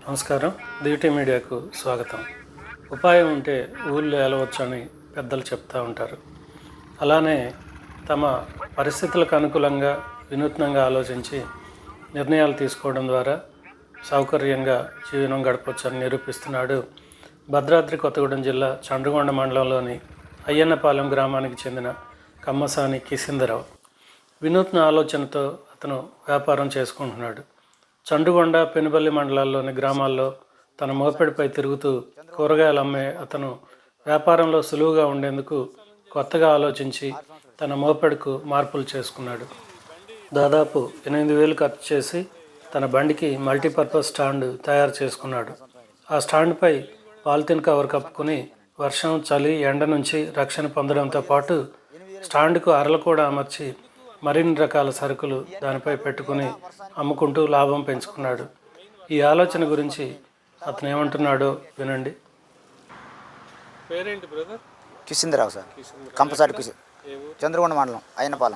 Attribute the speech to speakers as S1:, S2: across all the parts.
S1: నమస్కారం. దివిటీ మీడియాకు స్వాగతం. ఉపాయం ఉంటే ఊళ్ళో ఏలవచ్చని పెద్దలు చెప్తూ ఉంటారు. అలానే తమ పరిస్థితులకు అనుకూలంగా వినూత్నంగా ఆలోచించి నిర్ణయాలు తీసుకోవడం ద్వారా సౌకర్యంగా జీవనం గడపవచ్చని నిరూపిస్తున్నాడు భద్రాద్రి కొత్తగూడెం జిల్లా చండ్రగొండ మండలంలోని అయ్యన్నపాలెం గ్రామానికి చెందిన కమ్మసాని కిసిందరావు. వినూత్న ఆలోచనతో అతను వ్యాపారం చేసుకుంటున్నాడు. చండుగొండ, పెనుబల్లి మండలాల్లోని గ్రామాల్లో తన మోపెడిపై తిరుగుతూ కూరగాయలు అమ్మే అతను వ్యాపారంలో సులువుగా ఉండేందుకు కొత్తగా ఆలోచించి తన మోపెడ్కు మార్పులు చేసుకున్నాడు. దాదాపు 8,000 ఖర్చు చేసి తన బండికి మల్టీపర్పస్ స్టాండ్ తయారు చేసుకున్నాడు. ఆ స్టాండ్పై పాలిథిన్ కవర్ కప్పుకుని వర్షం, చలి, ఎండ నుంచి రక్షణ పొందడంతో పాటు స్టాండ్కు అరలు కూడా అమర్చి మరిన్ని రకాల సరుకులు దానిపై పెట్టుకుని అమ్ముకుంటూ లాభం పెంచుకున్నాడు. ఈ ఆలోచన గురించి అతను ఏమంటున్నాడో వినండి.
S2: పేరేంటి బ్రదర్?
S3: కిసిందరావు సార్. కంపసాటి కిసి, చంద్రగొండ మండలం అయ్యన్నపాలెం.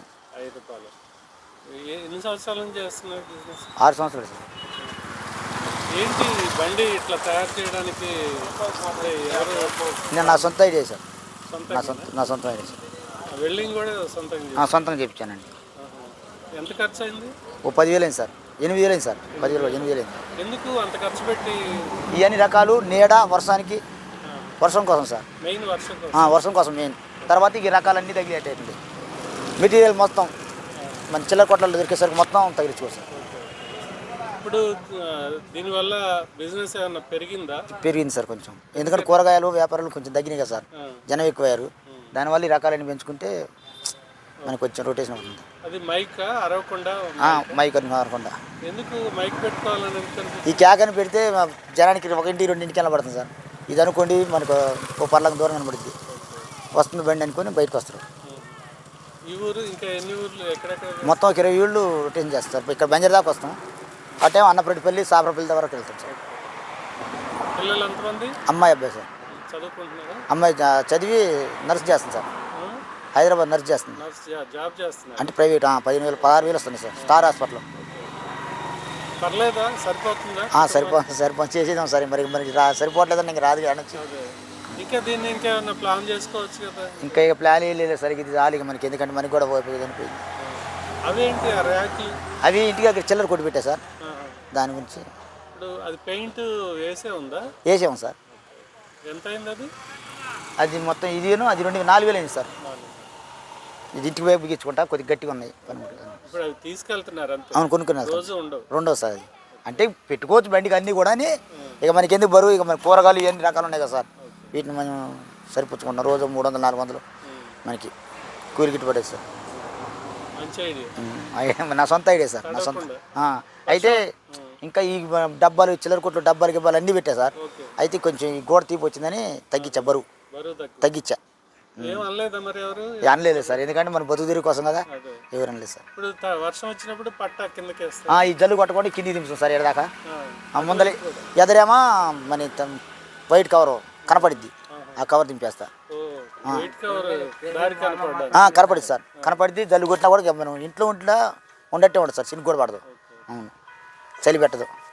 S2: ఎన్ని సంవత్సరాల నుంచి చేస్తున్నారు బిజినెస్?
S3: 6 సంవత్సరాలు సార్.
S2: ఏంటి బండి ఇట్లా తయారు చేయడానికి
S3: నేను నా సొంత ఐడియా సార్. నా సొంత ఐడియా సార్.
S2: వెల్డింగ్ కూడా
S3: సొంతంగా చేయించానండి.
S2: ఎంత ఖర్చు అయింది?
S3: ఓ 10,000 అయింది సార్. 8,000 అయింది సార్. 10,000 8,000 అయింది.
S2: ఎందుకు అంత ఖర్చు పెట్టి?
S3: ఈ అన్ని రకాలు నీడ వర్షం కోసం సార్.
S2: మెయిన్
S3: వర్షం కోసం మెయిన్. తర్వాత ఈ రకాలన్నీ తగిలేటండి. మెటీరియల్ మొత్తం మన చిల్లర కొట్లలో దొరికేసరికి మొత్తం తగిలించుకోవచ్చు సార్.
S2: ఇప్పుడు దీనివల్ల బిజినెస్ ఏమన్నా
S3: పెరిగింది సార్ కొంచెం. ఎందుకంటే కూరగాయలు వ్యాపారాలు కొంచెం తగ్గినాయి కదా సార్. జనం ఎక్కువయ్యారు. దానివల్ల ఈ రకాలన్నీ పెంచుకుంటే మనకు కొంచెం రొటేషన్ అవుతుంది.
S2: అది మైక్ అరవకుండా ఎందుకు మైక్ పెట్టుకోవాలని?
S3: ఈ క్యాక్ అని పెడితే జనానికి 1 2 కనబడుతుంది సార్. ఇది అనుకోండి మనకు ఓ పర్లకు దూరం కనబడుద్ది. వస్తుంది బండి అనుకొని బయటకు వస్తారు.
S2: ఈ ఊరు ఇంకా ఎన్ని ఊర్లు ఎక్కడెక్కడ?
S3: మొత్తం 20 ఊళ్ళు రొటేషన్ చేస్తారు. ఇక్కడ బంజర్ దాకా వస్తాం. అటే అన్నపరెడ్డిపల్లి, సాబరపల్లి వరకు వెళ్తాం సార్.
S2: పిల్లలు ఎంతమంది?
S3: అమ్మాయి, అబ్బాయి సార్.
S2: చదువుకుంటున్నారా?
S3: అమ్మాయి చదివి నర్స్ చేస్తుంది సార్. హైదరాబాద్ నర్స్ చేస్తుంది.
S2: జాబ్ చేస్తున్నా
S3: అంటే ప్రైవేట్. 15,000 16,000 వస్తుంది సార్. Star hospital.
S2: పర్లేదా? సరిపోతుందా?
S3: సరిపోతుంది చేసేదాం సార్. మరి సరిపోవట్లేదని ఇంక రాదు అనొచ్చు.
S2: ఇంకా దీన్ని ఇంకేమన్నా ప్లాన్ చేసుకోవచ్చు కదా?
S3: ఇంకా ఇక ప్లాన్ లేదు సార్. ఇది రాలి మనకి, ఎందుకంటే మనకి కూడా పోయిపోయింది అనిపోయింది.
S2: అవేంటి ఆ ర్యాక్లు?
S3: అవి ఇంటికి అక్కడ చిల్లర కొట్టి పెట్టా సార్. దాని గురించి
S2: ఇప్పుడు అది పెయింట్
S3: వేసాము సార్.
S2: ఎంత అయింది అది?
S3: అది మొత్తం ఇదిను అది 4,000 అయింది సార్. ఇది ఇంటికి వైపు బిగించుకుంటా కొద్దిగా గట్టిగా ఉన్నాయి
S2: తీసుకెళ్తున్నారు.
S3: అవును, కొనుక్కున్నారు. రెండో సార్. అది అంటే పెట్టుకోవచ్చు బండికి అన్నీ కూడా. ఇక మనకి ఎందుకు బరువు, ఇక మన కూరగాయలు ఎన్ని రకాలు ఉన్నాయి కదా సార్. వీటిని మనం సరిపుచ్చుకుంటాం. రోజు 300 400 మనకి కూలి గిట్టు పడేది సార్. నా సొంత ఐడియా సార్. నా సొంత. అయితే ఇంకా ఈ డబ్బాలు, చిల్లర కొట్లు డబ్బాలు గిబ్బాలు అన్నీ పెట్టా సార్. అయితే కొంచెం ఈ గోడ తీపి వచ్చిందని తగ్గించా, బరువు తగ్గించా. అనలేదు సార్, ఎందుకంటే మన బతుకు తీరు కోసం కదా. ఎవరు అనలేదు సార్.
S2: వర్షం వచ్చినప్పుడు
S3: ఈ జల్లు కొట్టకుండా కింది దింపుతాం సార్. ఎడదాకా ముందర ఎదరేమో మన వైట్ కవర్ కనపడిద్ది. ఆ కవర్ దింపేస్తా. కనపడిద్ది సార్. కనపడిద్ది. జల్లు కొట్టినా కూడా మనం ఇంట్లో ఉండట్టే ఉండదు సార్. చిన్న కూడా పడదు. అవును, చలి పెట్టదు.